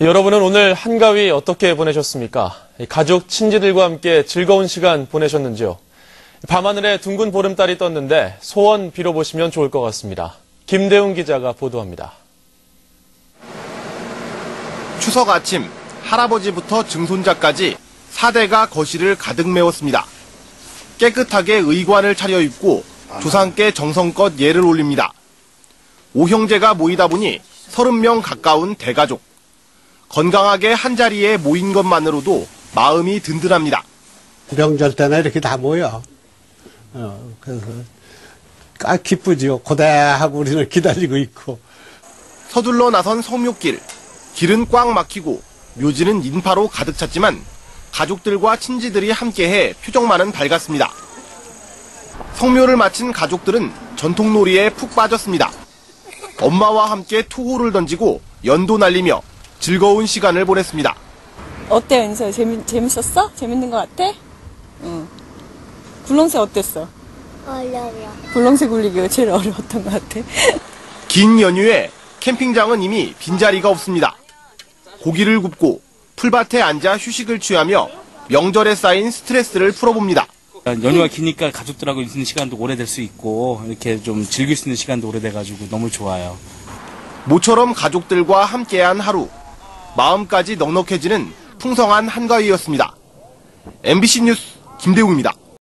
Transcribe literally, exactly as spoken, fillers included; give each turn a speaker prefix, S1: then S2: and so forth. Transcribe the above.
S1: 여러분은 오늘 한가위 어떻게 보내셨습니까? 가족, 친지들과 함께 즐거운 시간 보내셨는지요? 밤하늘에 둥근 보름달이 떴는데 소원 빌어보시면 좋을 것 같습니다. 김대웅 기자가 보도합니다.
S2: 추석 아침, 할아버지부터 증손자까지 사 대가 거실을 가득 메웠습니다. 깨끗하게 의관을 차려입고 조상께 정성껏 예를 올립니다. 오형제가 모이다 보니 서른 명 가까운 대가족. 건강하게 한자리에 모인 것만으로도 마음이 든든합니다.
S3: 명절 때나 이렇게 다 모여. 어, 그래서 아, 기쁘지요. 고대하고 우리는 기다리고 있고.
S2: 서둘러 나선 성묘길. 길은 꽉 막히고 묘지는 인파로 가득 찼지만 가족들과 친지들이 함께해 표정만은 밝았습니다. 성묘를 마친 가족들은 전통놀이에 푹 빠졌습니다. 엄마와 함께 투호를 던지고 연도 날리며 즐거운 시간을 보냈습니다.
S4: 어때, 은서? 재밌, 재밌었어? 재밌는 것 같아? 응. 굴렁쇠 어땠어?
S5: 어려워.
S4: 굴렁쇠 굴리기가 제일 어려웠던 것 같아.
S2: 긴 연휴에 캠핑장은 이미 빈자리가 없습니다. 고기를 굽고 풀밭에 앉아 휴식을 취하며 명절에 쌓인 스트레스를 풀어봅니다.
S6: 연휴가 기니까 가족들하고 있는 시간도 오래될 수 있고 이렇게 좀 즐길 수 있는 시간도 오래돼가지고 너무 좋아요.
S2: 모처럼 가족들과 함께한 하루. 마음까지 넉넉해지는 풍성한 한가위였습니다. 엠비씨 뉴스 김대웅입니다.